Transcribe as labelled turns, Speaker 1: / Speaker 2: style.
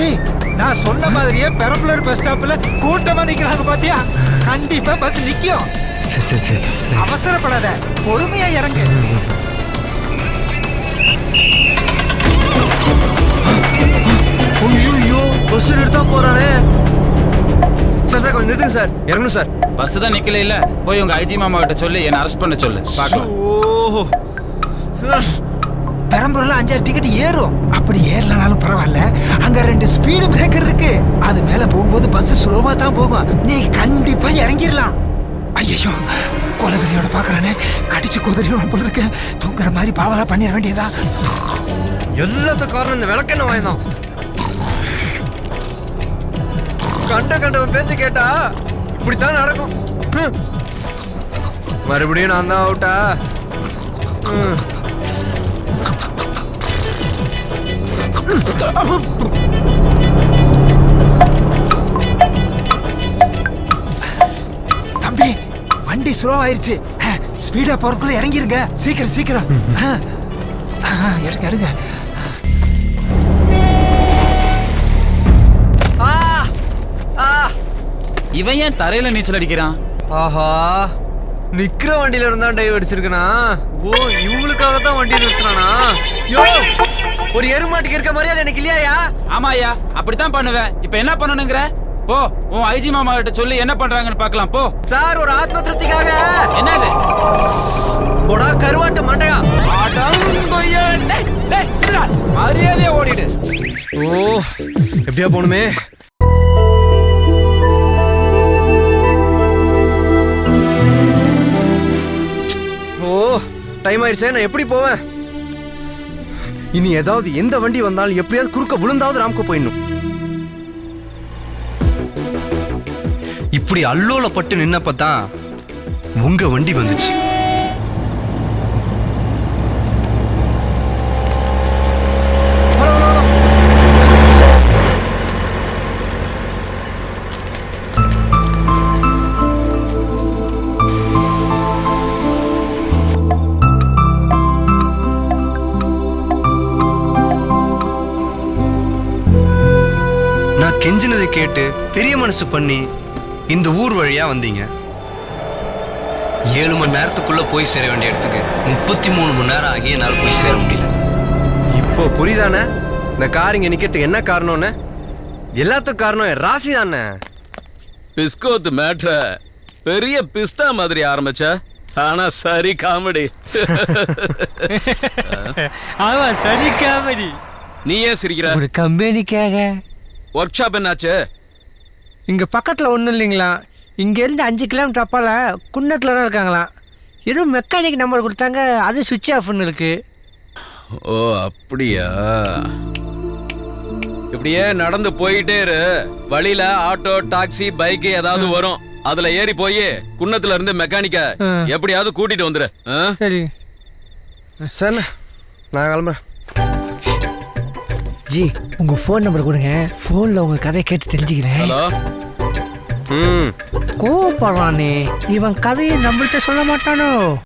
Speaker 1: டேய் நான் சொன்ன மாதிரியே பெரம்பலூர் பஸ் ஸ்டாப்ல கூட்டமா நிக்கிறாங்க பாத்தியா? கண்டிப்பா பஸ் நிக்கும்.
Speaker 2: சரி சரி சரி.
Speaker 1: அவசரப்படாத, பொறுமையா இறங்கு.
Speaker 2: ஐயோ பஸ் நிறுத்தா போறானே. சார் சார் கொஞ்சம் நிறுத்துங்க சார், இறங்கணும் சார்.
Speaker 3: பஸ் தான் நிக்கல இல்ல, போய் உங்க ஐஜி மாமா கிட்ட சொல்லி என்ன அரெஸ்ட் பண்ண சொல்லு பார்க்கலாம்.
Speaker 2: ஓஹோ
Speaker 1: பெரம்பலூர்ல 5-6 டிக்கெட் ஏறும். அப்படி ஏறலனாலும் பரவாயில்ல, அங்க 2 ஸ்பீடு பிரேக்கர் இருக்கு. அது மேல போகும்போது பஸ் ஸ்லோவா தான் போகும். நீ கண்டிப்பா இறங்கிடலாம். ஐயோ கொலவெறியோட பாக்குறானே, கடிச்சு குதிரையோட போல இருக்க. தூங்குற மாதிரி பாவலா பண்ணிட வேண்டியதா.
Speaker 2: எல்லாத்துக்கும் காரணம் இந்த விளக்கெண்ண வாய்தான். கண்டவன் பேச்சு கேட்டா இப்படித்தான் நடக்கும். மறுபடியும் நான் தான் அவுட்டா?
Speaker 1: தம்பி வண்டி ஸ்லோ ஆயிருச்சு. ஸ்பீடா போறதுக்குள்ள இறங்கிருங்க. சீக்கிரம் சீக்கிரம் எடுங்க எடுங்க.
Speaker 3: இவன் ஏன் தரையில நீச்சல் அடிக்கிறான்?
Speaker 2: ஆஹா, நிக்கிற வண்டியில இருந்தா டைவ் அடிச்சிருக்கனா? ஓ இவங்களுக்காக தான் வண்டி நிறுத்தினானா? யோ ஒரு எருமாட்டுக்கு இருக்க மரியாதை எனக்கு இல்லையா?
Speaker 3: ஆமாயா, அப்படித்தான் பண்ணுவேன். இப்ப என்ன பண்ணணுங்கிற? போ உன் ஐஜி மாமா கிட்ட சொல்லி என்ன பண்றாங்கன்னு பார்க்கலாம். போ
Speaker 2: சார், ஒரு ஆத்ம திருப்திக்காக.
Speaker 3: என்னது?
Speaker 2: போடா கருவாட்டு மண்டையா.
Speaker 3: மரியாதையா ஓடிடு.
Speaker 2: ஓ எப்படியா போகணுமே. ஓ டைம் ஆயிடுச்சே, நான் எப்படி போவேன்? இனி ஏதாவது எந்த வண்டி வந்தாலும் எப்படியாவது குறுக்க விழுந்தாவது ராம்கோ போயிடணும். இப்படி அல்லோலப்பட்டு நின்னப்பதான் உங்க வண்டி வந்துச்சு. நான் கெஞ்சினதை கேட்டு பெரிய மனசு பண்ணி இந்த ஊர் வழியா வந்தீங்க. 7 மணி நேரத்துக்குள்ள போய் சேர வேண்டிய இடத்துக்கு 33 மணி நேரம் ஆகி என்னால் போய் சேர முடியல. இப்போ புரியுதானே இந்த கார் இங்க நிக்கிறதுக்கு என்ன காரணம்னு? எல்லாத்துக்கும் காரணம் ராசி தானே.
Speaker 4: பிஸ்கோத்து மேட்ர பெரிய பிஸ்தா மாதிரி ஆரம்பிச்ச, ஆனா சரி காமெடி.
Speaker 1: ஆமா சரி காமெடி.
Speaker 4: நீ ஏன் சிரிக்கிற?
Speaker 5: ஒரு கம்பெனிக்காக.
Speaker 4: ஒர்க் ஷாப் என்னாச்சு?
Speaker 5: இங்கே பக்கத்தில் ஒன்றும் இல்லைங்களா, இங்கேருந்து 5 கிலோமீட்டர் அப்பால குன்னத்தில் தான் இருக்காங்களாம். ஏதோ மெக்கானிக் நம்பர் கொடுத்தாங்க, அது சுவிட்ச் ஆஃப்னு இருக்கு.
Speaker 4: ஓ அப்படியா? இப்படியே நடந்து போயிட்டே இரு. வழியில ஆட்டோ டாக்ஸி பைக் ஏதாவது வரும், அதுல ஏறி போய் குன்னத்துல இருந்து மெக்கானிக்க எப்படியாவது கூட்டிட்டு வந்துரு.
Speaker 5: சரி
Speaker 2: சார், நான் கிளம்புறேன்.
Speaker 5: ஜி உங்கள் ஃபோன் நம்பர் கொடுங்க, ஃபோனில் உங்கள் கதையை கேட்டு தெரிஞ்சுக்கிறேன்.
Speaker 4: ஹலோ.
Speaker 5: கோவப்படுறானே, இவன் கதையை நம்மள்கிட்ட சொல்ல மாட்டானோ?